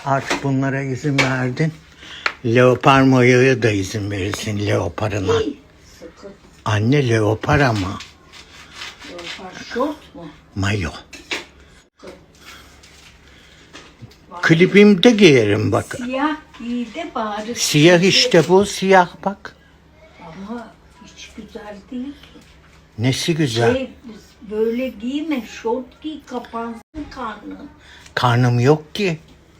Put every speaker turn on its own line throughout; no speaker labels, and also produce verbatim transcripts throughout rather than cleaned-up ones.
Artık bunlara izin verdin. Leopar mayoya da izin verirsin leoparına.
Sıkı.
Anne leopar ama.
Leopar şort mu?
Mayo. Klibimde giyerim bak.
Siyah giy de bari.
Siyah işte bu, siyah bak.
Ama hiç güzel değil ki.
Nesi güzel.
Şey, böyle giyme, şort giy, kapansın karnın.
Karnım yok ki.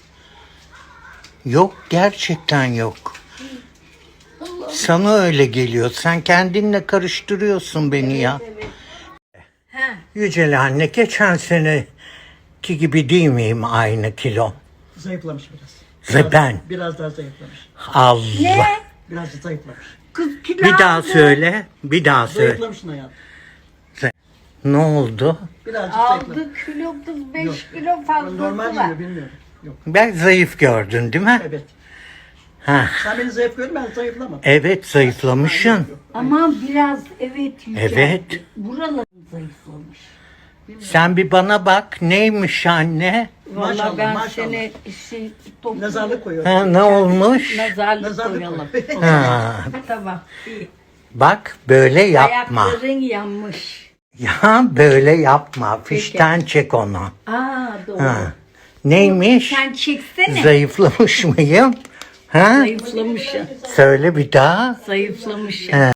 Yok, gerçekten yok.
Allah'ım.
Sana öyle geliyor. Sen kendinle karıştırıyorsun beni ya.
Evet. Ha,
Yücel anne, geçen seneki gibi değil miyim aynı kilo?
Zayıflamış biraz.
Ve ben.
Biraz daha zayıflamış.
Allah.
ne?
Biraz da zayıflamış.
Kız kilo
Bir daha
aldı.
söyle. Bir daha söyle.
Zayıflamışsın hayatım.
Ne oldu?
Birazcık zayıflamış.
Aldı kilo kız
Yok.
beş kilo fazlası
Normal
var.
geliyor bilmiyorum. Yok.
Ben zayıf gördün değil mi?
Evet.
Ha.
Sen beni zayıf gördün, ben zayıflamadım.
Evet, zayıflamışsın.
Ama biraz evet yüceldi.
Evet.
Buraları zayıflamış.
Sen bir bana bak. Neymiş anne?
Vallahi
Maşallah,
ben
maşallah.
seni şey, toplu
Nazarlık koyuyor.
Ha, ne olmuş?
nazarlık,
Nazarlık
koyalım.
koyuyor.
Ha.
Tamam. iyi.
Bak böyle yapma.
Ayakların yanmış.
Ya böyle yapma. Fişten çek onu.
Aa doğru.
Ha. Neymiş?
Sen çeksene.
Zayıflamış mıyım? Ha?
Zayıflamışsın.
Söyle bir daha.
Zayıflamışsın.